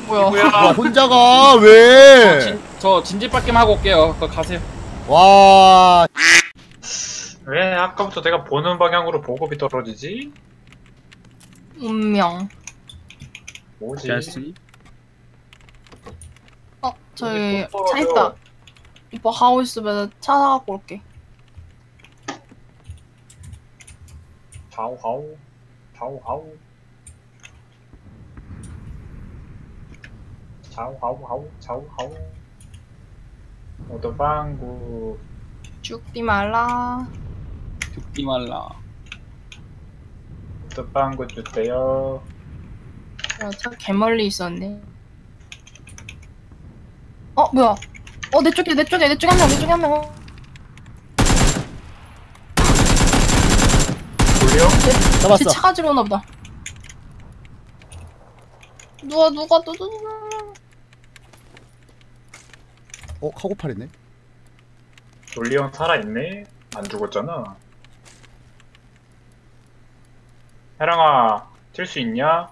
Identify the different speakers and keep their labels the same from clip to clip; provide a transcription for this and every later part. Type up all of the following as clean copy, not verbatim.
Speaker 1: 뭐야?
Speaker 2: 야, 혼자 가, 왜?
Speaker 3: 저 진지밖에 하고 올게요. 그거 가세요.
Speaker 2: 와,
Speaker 1: 왜 아까부터 내가 보는 방향으로 보급이 떨어지지?
Speaker 4: 운명.
Speaker 1: 뭐지?
Speaker 3: 됐으니?
Speaker 4: 저기
Speaker 1: 또
Speaker 4: 차
Speaker 1: 떨어져.
Speaker 4: 있다. 이뻐 하고 있으면 차 사갖고 올게.
Speaker 1: 좌우하우 좌우하우 좌우하우하우 좌우하우 오토방구
Speaker 4: 죽지 말라.
Speaker 3: 죽지 말라.
Speaker 1: 오토방구 주세요.
Speaker 4: 야, 차 개멀리 있었네. 뭐야? 내 쪽에 한 명, 내 쪽에 한 명.
Speaker 1: 돌려?
Speaker 4: 제
Speaker 2: 잡았어.
Speaker 4: 차 가지러 오나 보다. 누가 또.
Speaker 2: 카고팔이네.
Speaker 1: 돌리온 살아있네? 안 죽었잖아. 해랑아 튈 수 있냐?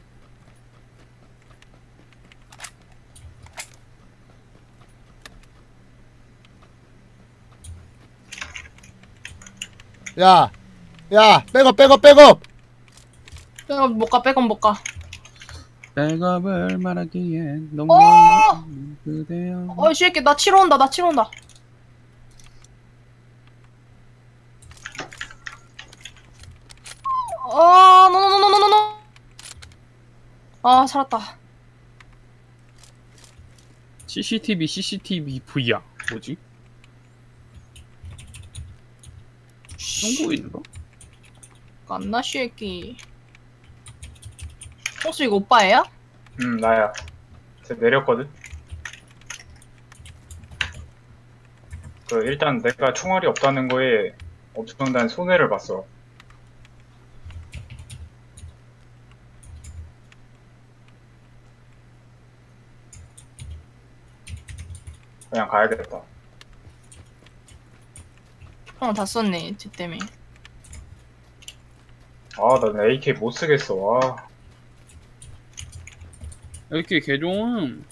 Speaker 2: 야, 백업.
Speaker 4: 백업 못 가.
Speaker 3: 백업을 말하기엔 너무
Speaker 4: 어!
Speaker 3: 그대여.
Speaker 4: 이 새끼 나 치러 온다. 노노노노노노. 살았다.
Speaker 3: CCTV V야. 뭐지? 중국인가?
Speaker 4: 깐나 새끼. 혹시 이거 오빠예요?
Speaker 1: 나야. 쟤 내렸거든? 일단 내가 총알이 없다는 거에 엄청난 손해를 봤어. 그냥 가야겠다.
Speaker 4: 형 다 썼네, 쟤 때문에.
Speaker 1: 난 AK 못 쓰겠어. 와.
Speaker 3: 이렇게 개종.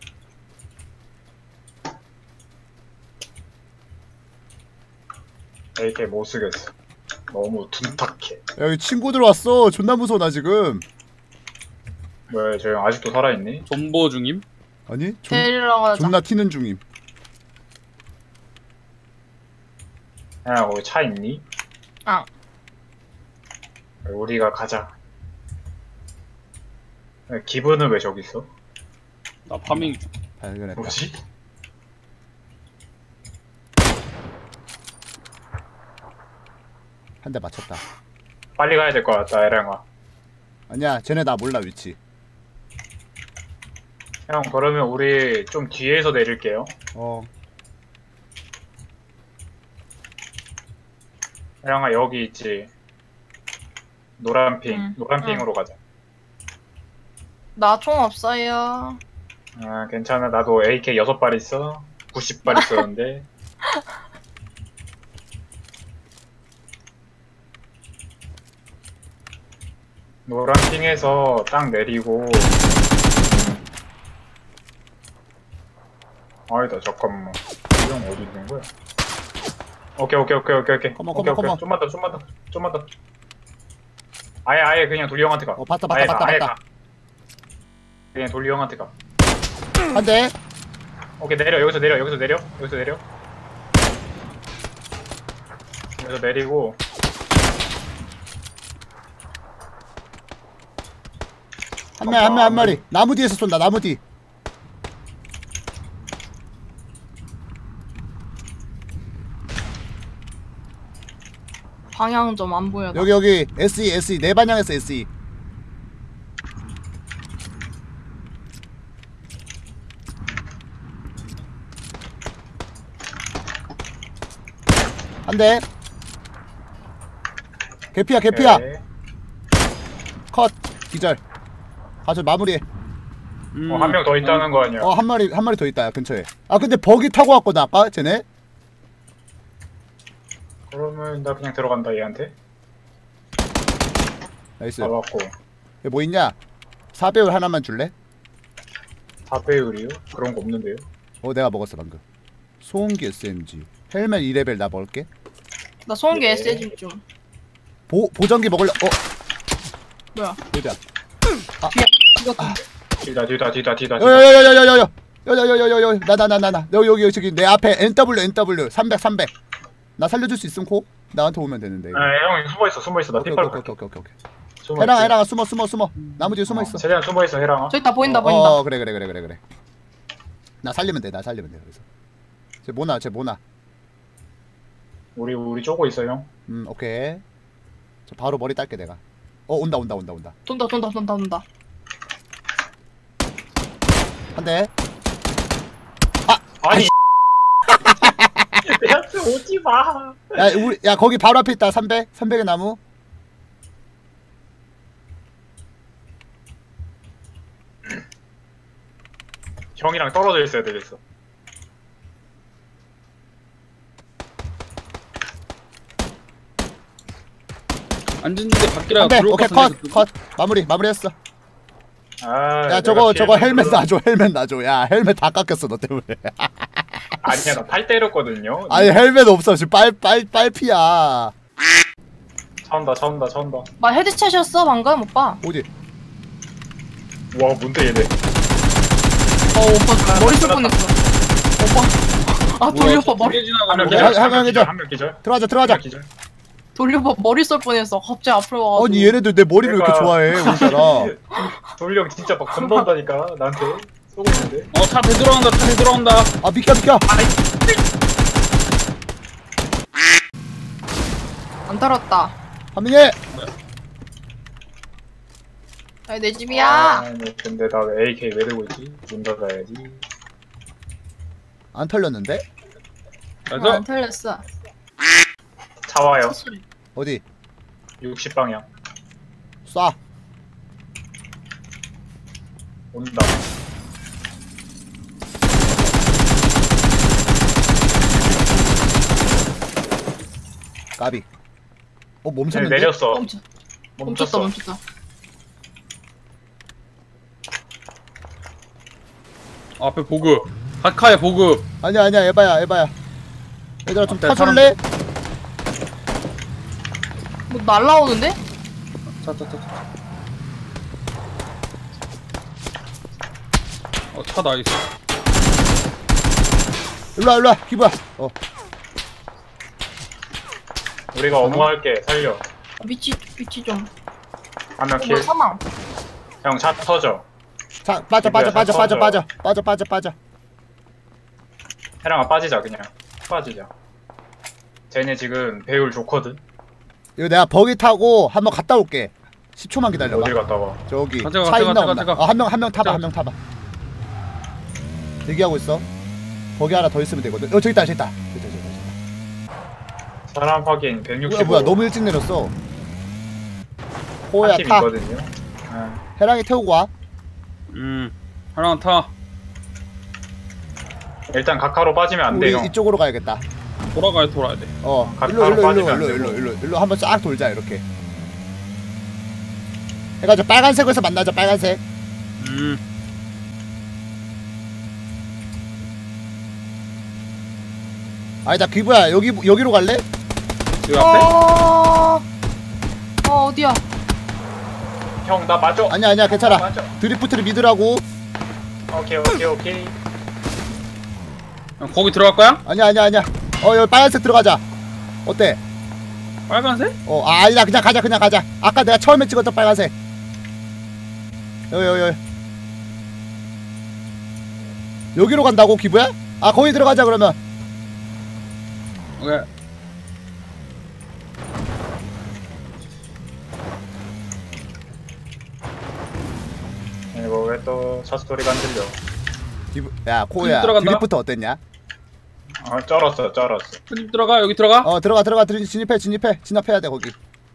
Speaker 1: AK 못 쓰겠어. 너무 둔탁해.
Speaker 2: 여기 친구들 왔어. 존나 무서워, 나 지금.
Speaker 1: 왜, 저 형 아직도 살아있니?
Speaker 3: 존버 중임?
Speaker 2: 아니,
Speaker 4: 데리러 가자.
Speaker 2: 존나 튀는 중임.
Speaker 1: 야, 거기 차 있니?
Speaker 4: 아.
Speaker 1: 우리가 가자. 야, 기분은 왜 저기 있어?
Speaker 3: 나 파밍 중.
Speaker 2: 발견했다.
Speaker 1: 뭐지?
Speaker 2: 한 대 맞췄다.
Speaker 1: 빨리 가야 될 것 같다, 에랑아.
Speaker 2: 아니야, 쟤네 나 몰라, 위치.
Speaker 1: 형, 그러면 우리 좀 뒤에서 내릴게요. 에랑아, 여기 있지. 노란핑.
Speaker 4: 응.
Speaker 1: 노란핑으로 가자.
Speaker 4: 나 총 없어요.
Speaker 1: 괜찮아. 나도 AK 6발 있어. 90발 있었는데. 노란핑에서 딱 내리고. 아니다, 잠깐만. 이 형 어디 있는 거야? 오케이.
Speaker 2: 컴온.
Speaker 1: 좀만 더. 아예 그냥 돌리 형한테 가.
Speaker 2: 봤다.
Speaker 1: 아예 가. 그냥 돌리 형한테 가.
Speaker 2: 한 대.
Speaker 1: 오케이, 내려. 여기서 내려. 여기서 내리고.
Speaker 2: 한 마리. 나무 뒤에서 쏜다, 나무 뒤.
Speaker 4: 방향 좀 안 보여.
Speaker 2: 여기. SE. 내 방향에서 SE. 한 대. 개피야.
Speaker 1: 네.
Speaker 2: 컷. 기절. 가서 마무리해.
Speaker 1: 한 명 더 있다는 거 아니야?
Speaker 2: 한 마리 더 있다, 근처에. 근데 버기 타고 왔거든, 아까 쟤네.
Speaker 1: 그러면 나 그냥 들어간다, 얘한테.
Speaker 2: 나이스.
Speaker 1: 잡았고.
Speaker 2: 뭐 있냐? 4배율 하나만 줄래?
Speaker 1: 4배율이요? 그런 거 없는데요?
Speaker 2: 내가 먹었어 방금. 소음기 SMG. 헬멧 2레벨 나 먹을게.
Speaker 4: 나 소음기
Speaker 1: 예.
Speaker 4: SG 좀.
Speaker 2: 보정기 먹을래?
Speaker 4: 뭐야?
Speaker 2: 여기야.
Speaker 4: 이거
Speaker 1: 뒤다.
Speaker 2: 야야야야야야야. 야야야야야야. 나. 여기 저기 내 앞에 NW 300. 나 살려줄 수 있음 코? 나한테 오면 되는데.
Speaker 1: 형 숨어있어. 나
Speaker 2: 오케이.
Speaker 1: 핏발
Speaker 2: 해랑아 숨어. 나무 뒤에 숨어 있어.
Speaker 1: 최대한 숨어있어 해랑아.
Speaker 4: 저기 다 보인다 보인다.
Speaker 2: 그래. 나 살리면 돼. 그래서. 쟤 뭐나.
Speaker 1: 우리 쪼고 있어 형.
Speaker 2: 오케이. 저 바로 머리 딸게 내가. 온다.
Speaker 4: 돈다.
Speaker 2: 한 대.
Speaker 1: 아니 내 앞에 오지마.
Speaker 2: 야 거기 바로 앞에 있다. 300의 나무.
Speaker 1: 형이랑 떨어져 있어야 되겠어.
Speaker 3: 앉은데 밖이라
Speaker 2: 한 대.
Speaker 3: 들어올
Speaker 2: 오케이
Speaker 3: 것 같은데,
Speaker 2: 컷. 마무리했어.
Speaker 1: 아,
Speaker 2: 야 저거 헬멧 놔줘. 야 헬멧 다 깎였어 너 때문에.
Speaker 1: 아니야 나 팔 때렸거든요.
Speaker 2: 아니 헬멧 없어 지금 빨피야.
Speaker 1: 차온다.
Speaker 4: 나 헤드챗이었어 방금 오빠.
Speaker 2: 어디?
Speaker 1: 와 뭔데 얘네.
Speaker 4: 오빠 머리 쏠 뻔했어. 오빠. 돌려봐 머리.
Speaker 3: 두개 지나가는
Speaker 1: 한명
Speaker 3: 게
Speaker 1: 기절.
Speaker 2: 한 명 기절.
Speaker 1: 한명 기절.
Speaker 2: 들어가자.
Speaker 1: 기절.
Speaker 4: 돌려봐 머리 쏠 뻔했어. 갑자기 앞으로 와가지고.
Speaker 2: 아니 얘네들 내 머리를 왜 이렇게 좋아해 우리나라.
Speaker 1: 돌령 진짜 막 건너다니까 나한테 쏘고 있는데.
Speaker 3: 차 되돌아온다.
Speaker 2: 아 비켜.
Speaker 4: 안 떨었다.
Speaker 2: 한민이.
Speaker 4: 아니 내 집이야.
Speaker 1: 아니, 근데 나 왜 AK 왜 들고 있지? 문 닫아야지.
Speaker 2: 안 털렸는데?
Speaker 3: 그래서
Speaker 4: 안 틀렸어.
Speaker 1: 차 와요.
Speaker 4: 소리.
Speaker 2: 어디?
Speaker 1: 60방향.
Speaker 2: 쏴.
Speaker 1: 온다.
Speaker 2: 까비.
Speaker 1: 네,
Speaker 2: 멈췄는데?
Speaker 1: 내렸어.
Speaker 4: 멈췄다.
Speaker 3: 앞에 보급. 하카의 보급.
Speaker 2: 아니야 에바야. 얘들아 좀
Speaker 3: 앞에
Speaker 2: 타줄래?
Speaker 4: 뭐 날라오는데?
Speaker 3: 차 나있어.
Speaker 2: 일로와 기부야.
Speaker 1: 우리가 업무할게. 살려.
Speaker 4: 위치 좀.
Speaker 1: 한명
Speaker 4: 뭐
Speaker 1: 킬.
Speaker 4: 사망.
Speaker 1: 형 차 터져.
Speaker 2: 자 빠져.
Speaker 1: 해랑아 빠지자 그냥. 빠지자. 쟤네 지금 배율 좋거든.
Speaker 2: 이거 내가 버기 타고 한번 갔다 올게. 10초만 기다려봐.
Speaker 1: 어딜 갔다 와.
Speaker 2: 저기
Speaker 3: 가자,
Speaker 2: 차
Speaker 3: 가자,
Speaker 2: 있나
Speaker 3: 가자,
Speaker 2: 없나?
Speaker 3: 가자.
Speaker 2: 한 명 타봐. 대기하고 있어. 버기 하나 더 있으면 되거든. 저기 있다.
Speaker 1: 사람 확인 165.
Speaker 2: 뭐야 너무 일찍 내렸어. 호야
Speaker 1: 한팀
Speaker 2: 타.
Speaker 1: 있거든요.
Speaker 2: 해랑이 태우고 와.
Speaker 3: 하나 타.
Speaker 1: 일단 각하로 빠지면 안
Speaker 2: 우리
Speaker 1: 돼요.
Speaker 2: 이쪽으로 가야겠다.
Speaker 3: 돌아야 돼.
Speaker 1: 바로 빠지면 안 되고.
Speaker 2: 일로 한번 싹 돌자 이렇게. 해가지고 빨간색에서 만나자. 빨간색. 아니다 기부야 여기로 갈래?
Speaker 3: 여기 앞에?
Speaker 4: 어디야?
Speaker 1: 형 나 맞아.
Speaker 2: 아니야 괜찮아.
Speaker 1: 맞아.
Speaker 2: 드리프트를 믿으라고.
Speaker 1: 오케이.
Speaker 3: 형, 거기 들어갈 거야?
Speaker 2: 아니야. 여기 빨간색 들어가자. 어때?
Speaker 3: 빨간색?
Speaker 2: 아니다 그냥 가자. 아까 내가 처음에 찍었던 빨간색. 여기로 간다고 기부야? 거기 들어가자 그러면.
Speaker 3: 오케이.
Speaker 1: 이거 왜 또 차 소리가 안 들려?
Speaker 2: 야 코야
Speaker 3: 들어간다.
Speaker 2: 드리프트 어땠냐?
Speaker 1: 쩔었어.
Speaker 3: 집 들어가. 여기 들어가.
Speaker 2: 들어가 진입해야 돼 거기.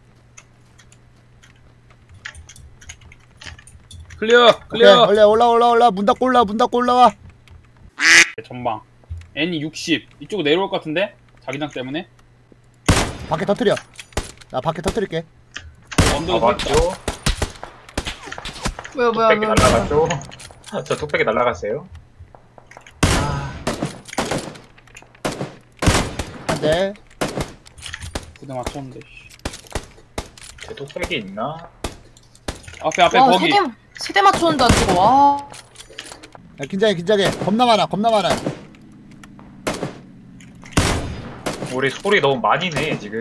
Speaker 3: 클리어.
Speaker 2: 오케이, 올라 문 닫고 올라와.
Speaker 3: 전방. N이 60. 이쪽으로 내려올 것 같은데? 자기장 때문에.
Speaker 2: 밖에 터뜨려. 나 밖에 터뜨릴게.
Speaker 3: 언덕에 서 있다.
Speaker 1: 맞죠?
Speaker 4: 뭐야?
Speaker 1: 날라갔죠? 저 뚝배기 날라갔어요.
Speaker 2: 한 대.
Speaker 3: 부대 맞췄는데. 씨.
Speaker 1: 제 뚝배기 있나?
Speaker 3: 앞에
Speaker 4: 와,
Speaker 3: 거기.
Speaker 4: 세대 맞추는데 안 죽어. 와.
Speaker 2: 야, 긴장해. 겁나 많아.
Speaker 1: 우리 소리 너무 많이 내 지금.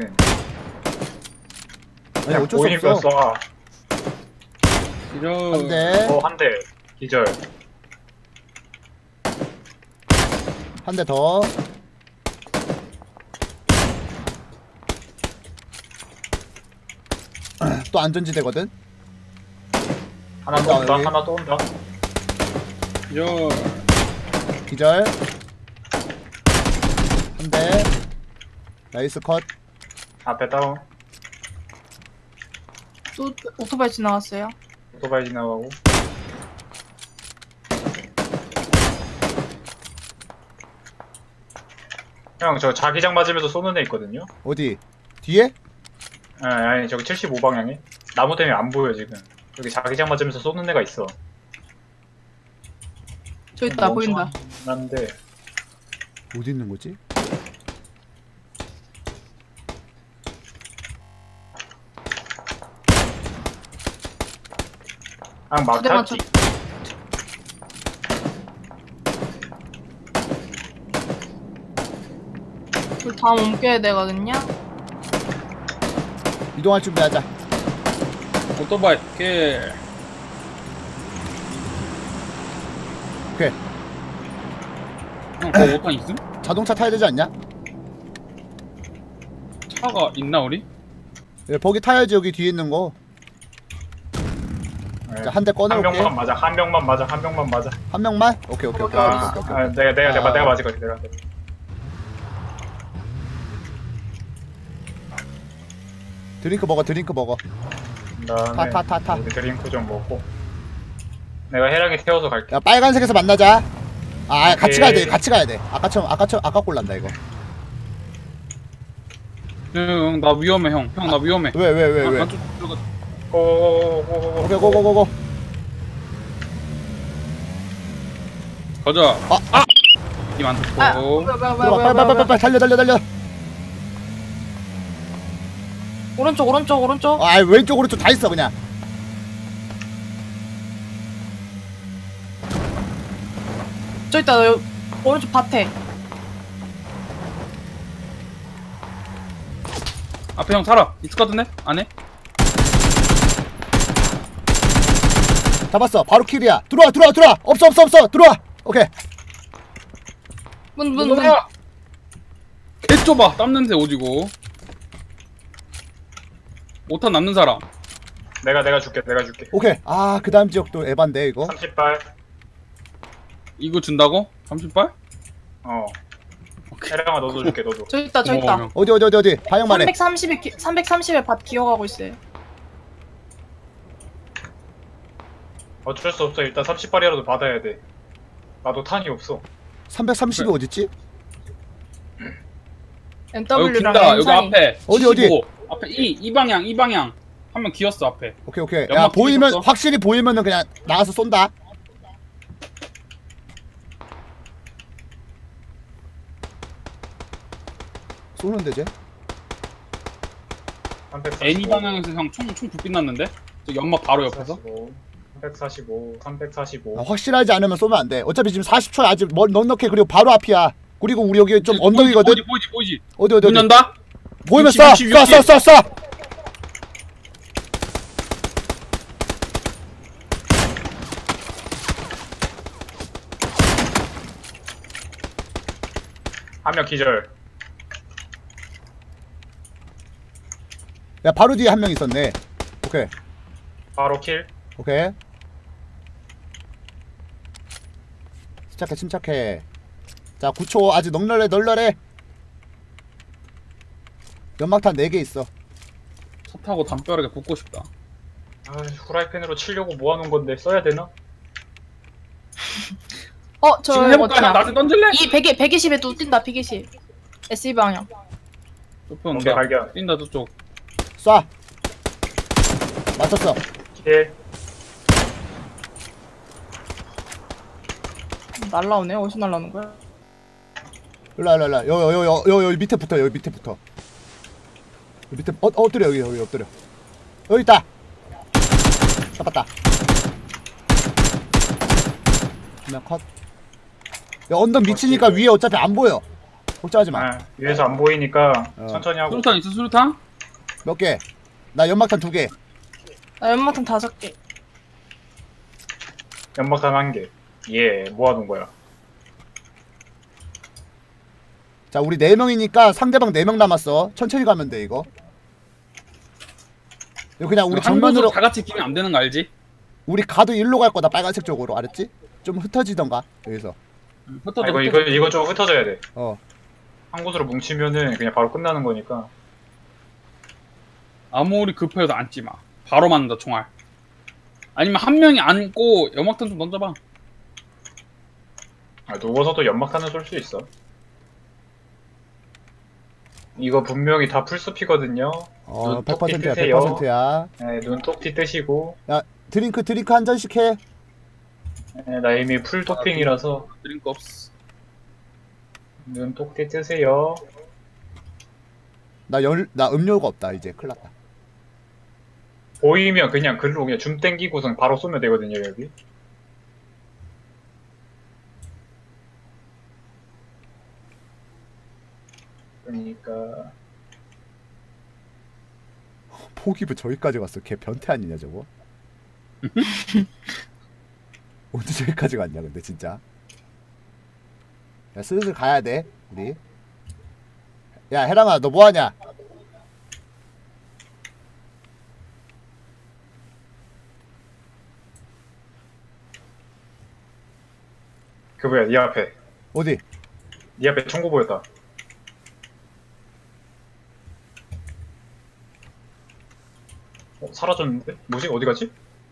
Speaker 2: 아니,
Speaker 1: 그냥
Speaker 2: 어쩔 수
Speaker 1: 보이면
Speaker 2: 없어.
Speaker 1: 쏴.
Speaker 3: 이런.
Speaker 2: 한 대.
Speaker 1: 한 대. 기절.
Speaker 2: 한 대 더. 또 안전지대거든.
Speaker 1: 하나 또
Speaker 2: 온다,
Speaker 1: 온다.
Speaker 2: 여기.
Speaker 1: 하나 또 온다.
Speaker 3: 이런.
Speaker 2: 기절. 한 대. 나이스 컷.
Speaker 1: 앞에 다운.
Speaker 4: 또 오토바이 지나갔어요.
Speaker 1: 오토바이 지나가고. 형, 저 자기장 맞으면서 쏘는 애 있거든요?
Speaker 2: 어디? 뒤에?
Speaker 1: 아니, 저기 75방향에. 나무 때문에 안 보여, 지금. 여기 자기장 맞으면서 쏘는 애가 있어.
Speaker 4: 저 있다 보인다.
Speaker 1: 난데.
Speaker 2: 어디 있는 거지?
Speaker 1: 막
Speaker 4: 부대
Speaker 1: 탔지.
Speaker 4: 그 다음 옮겨야 되거든요.
Speaker 2: 이동할 준비하자.
Speaker 3: 오토바이. 킬.
Speaker 2: 오케이.
Speaker 3: 형, 그 5탄 있음?
Speaker 2: 자동차 타야 되지 않냐?
Speaker 3: 차가 있나 우리?
Speaker 2: 예, 버기 타야지. 여기 뒤에 있는 거.
Speaker 1: 네.
Speaker 2: 자, 한 대
Speaker 1: 한
Speaker 2: 꺼내올게.
Speaker 1: 명만 맞아, 한 명만 맞아, 한 명만 맞아.
Speaker 2: 한 명만? 오케이.
Speaker 1: 아, 내가 맞을 거지, 내가.
Speaker 2: 드링크 먹어.
Speaker 1: 그다음에
Speaker 2: 타.
Speaker 1: 우리 드링크 좀 먹고. 내가 해랑이 태워서 갈게.
Speaker 2: 야, 빨간색에서 만나자. 아, 같이
Speaker 1: 오케이.
Speaker 2: 가야 돼. 아까 꼴난다 이거.
Speaker 3: 형, 나 위험해 형. 형, 나 위험해.
Speaker 2: 왜?
Speaker 3: 안쪽 들어가.
Speaker 1: 고고고고고.
Speaker 2: 오케이, 고고고고.
Speaker 3: 가자.
Speaker 2: 아.
Speaker 3: 이만 듣고.
Speaker 4: 아, 뭐야.
Speaker 2: 들어가, 빨리 달려.
Speaker 4: 오른쪽.
Speaker 2: 아, 왼쪽 오른쪽 다 있어 그냥.
Speaker 4: 저 있다. 오른쪽 밭에.
Speaker 3: 앞에 형 살아. 있을 것 같은데? 안에?
Speaker 2: 잡았어. 바로 킬이야. 들어와. 없어. 들어와. 오케이.
Speaker 4: 문.
Speaker 3: 개 좁아. 땀 냄새 오지고. 5탄 남는 사람.
Speaker 1: 내가 줄게.
Speaker 2: 오케이. 아, 그다음 지역도 에반데 이거.
Speaker 1: 30발.
Speaker 3: 이거 준다고? 30발?
Speaker 1: 해랑아 너도 줄게, 너도.
Speaker 4: 저 있다.
Speaker 3: 형.
Speaker 2: 어디. 방향만 해.
Speaker 4: 330에 밭 기어가고 있어요.
Speaker 1: 어쩔 수 없어. 일단 30발이라도 받아야 돼. 나도 탄이 없어.
Speaker 2: 330이 어딨지?
Speaker 3: 여기
Speaker 4: NW랑
Speaker 3: 긴다. 여기
Speaker 4: M4이.
Speaker 3: 앞에.
Speaker 2: 어디?
Speaker 3: 75. 앞에 이 방향. 한 명 기었어 앞에.
Speaker 2: 오케이. 야,
Speaker 3: 연막
Speaker 2: 보이면
Speaker 3: 뒤졌어?
Speaker 2: 확실히 보이면은 그냥 나가서 쏜다. 쏘는데 쟤?
Speaker 1: 345.
Speaker 3: N2 방향에서 형 총 불빛 났는데? 저 연막 바로 옆에서?
Speaker 1: 345.
Speaker 2: 아, 확실하지 않으면 쏘면 안 돼. 어차피 지금 40초야. 아직 넉넉해. 그리고 바로 앞이야. 그리고 우리 여기 좀 언덕이거든.
Speaker 3: 보이지.
Speaker 2: 어디.
Speaker 3: 문 연다?
Speaker 2: 보이면
Speaker 3: 60,
Speaker 2: 쏴.
Speaker 3: 60.
Speaker 2: 쏴.
Speaker 1: 한 명 기절.
Speaker 2: 야, 바로 뒤에 한 명 있었네. 오케이.
Speaker 1: 바로 킬.
Speaker 2: 침착해. 자, 9초. 아직 널널해. 연막탄 4개 있어.
Speaker 3: 차 타고 담벼락에 붙고 싶다.
Speaker 1: 아, 후라이팬으로 치려고 모아놓은 건데 써야 되나?
Speaker 4: 저
Speaker 3: 지금 해볼까?
Speaker 4: 어디야?
Speaker 3: 나한테 던질래?
Speaker 4: 이 120에 또 뛴다. 120. SE 방향.
Speaker 3: 좁혀
Speaker 1: 오케이,
Speaker 3: 온다.
Speaker 1: 발견.
Speaker 3: 뛴다 저쪽.
Speaker 2: 쏴. 맞췄어.
Speaker 1: 킬.
Speaker 4: 날라오네. 어디서 날라오는 거야?
Speaker 2: 일로와 여기 밑에 붙어 여기 밑에 붙어 여기 밑에 엎드려 여기 엎드려 여기 있다 잡았다 그냥 컷 야, 언덕 미치니까 위에 어차피 안 보여 걱정하지 마
Speaker 1: 아, 위에서 안 보이니까
Speaker 2: 어.
Speaker 1: 천천히 하고.
Speaker 3: 수류탄 있어 수류탄?
Speaker 2: 몇 개? 나 연막탄 2개
Speaker 4: 나 연막탄 5개.
Speaker 1: 연막탄 1개. 예, 모아둔 거야.
Speaker 2: 자 우리 4명이니까 상대방 4명 남았어 천천히 가면 돼 이거 이거 그냥 우리
Speaker 3: 한
Speaker 2: 정면으로
Speaker 3: 곳으로 다 같이 끼면 안 되는 거 알지?
Speaker 2: 우리 가도 일로 갈 거다 빨간색 쪽으로 알았지? 좀 흩어지던가 여기서
Speaker 1: 아, 이거 좀 흩어져야 돼.
Speaker 2: 어
Speaker 1: 한 곳으로 뭉치면은 그냥 바로 끝나는 거니까.
Speaker 3: 아무리 급해도 앉지 마. 바로 맞는다 총알. 아니면 한 명이 앉고 연막탄 좀 던져봐.
Speaker 1: 아, 누워서도 연막탄을 쏠 수 있어. 이거 분명히 다 풀숲이거든요. 눈 똑
Speaker 2: 100%야
Speaker 1: 뜨세요.
Speaker 2: 100%야
Speaker 1: 네, 눈 똑띠 뜨시고.
Speaker 2: 드링크 한 잔씩 해
Speaker 1: 네, 나 이미 풀 토핑이라서
Speaker 3: 드링크 없어.
Speaker 1: 눈 똑띠 뜨세요.
Speaker 2: 나 음료가 없다 이제 큰일났다
Speaker 1: 보이면 그냥 글로 그냥 줌 땡기고선 바로 쏘면 되거든요, 여기. 그러니까
Speaker 2: 포기부 저기까지 갔어 걔 변태 아니냐 저거 언제 저기까지 갔냐 근데 진짜 야 슬슬 가야 돼 우리 야 해랑아 너 뭐하냐
Speaker 1: 그 뭐야, 네 앞에.
Speaker 2: 어디
Speaker 1: 네 앞에 총구 보였다. 사라졌는데? 뭐지? 어디 갔지?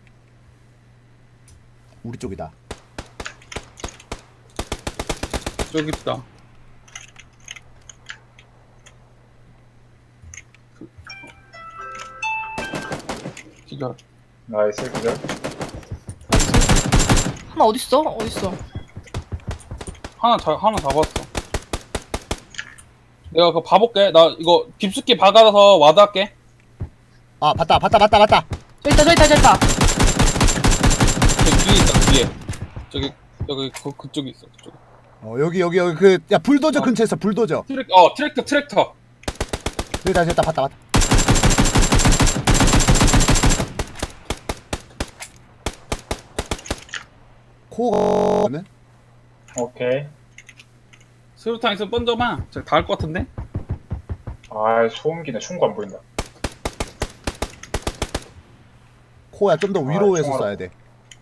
Speaker 2: 우리 쪽이다
Speaker 3: 저기 있다. 기절.
Speaker 1: 나이스, 그죠?
Speaker 4: 하나 어딨어? 어딨어?
Speaker 3: 하나 잡았어. 내가 그거 봐볼게. 나 이거 깊숙이 박아서 와드 할게.
Speaker 2: 아 봤다
Speaker 4: 저기 있다.
Speaker 3: 저기 뒤에 있다, 뒤에. 저기, 그쪽에 있어, 그쪽에.
Speaker 2: 여기 그 야 불도저 근처에 있어 불도저
Speaker 3: 트랙터.
Speaker 2: 됐다 봤다 코는
Speaker 1: 오케이.
Speaker 3: 수류탄 있으면 던져봐. 저기 닿을 것 같은데?
Speaker 1: 아, 소음기네. 총구 안 보인다.
Speaker 2: 코야 좀 더 위로 해서
Speaker 1: 총알.
Speaker 2: 쏴야 돼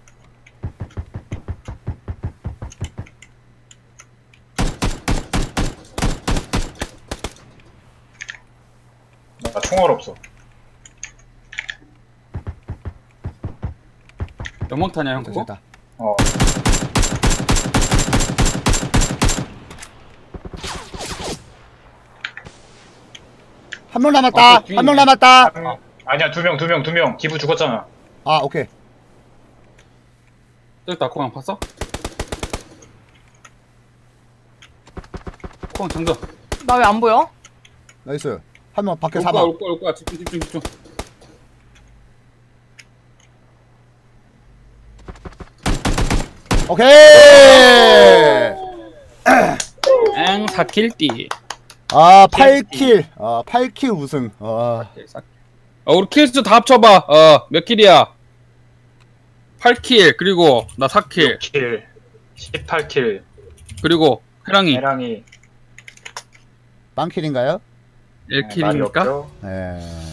Speaker 1: 나 총알 없어.
Speaker 3: 연막탄이야, 형, 그거?
Speaker 2: 됐다
Speaker 1: 어.
Speaker 2: 한 명 남았다
Speaker 3: 뒤에
Speaker 2: 한 명
Speaker 3: 있네.
Speaker 2: 남았다
Speaker 1: 아니야, 두 명. 기부 죽었잖아.
Speaker 2: 아 오케이
Speaker 3: 저기 있다, 코형 봤어? 코형 장전.
Speaker 4: 나 왜 안 보여?
Speaker 2: 나이스 한 명 밖에
Speaker 3: 올 거야,
Speaker 2: 사망
Speaker 3: 올 거야. 집중.
Speaker 2: 오케이
Speaker 3: 엥, 4킬띠.
Speaker 2: 아 8킬 8킬 우승
Speaker 3: 우리 킬수 다 합쳐봐. 몇 킬이야? 8킬, 그리고 나 4킬,
Speaker 1: 6킬, 18킬,
Speaker 3: 그리고 해랑이
Speaker 1: 해랑이.
Speaker 2: 빵킬인가요?
Speaker 1: 말이
Speaker 3: 1킬이니까?
Speaker 1: 없죠?
Speaker 2: 예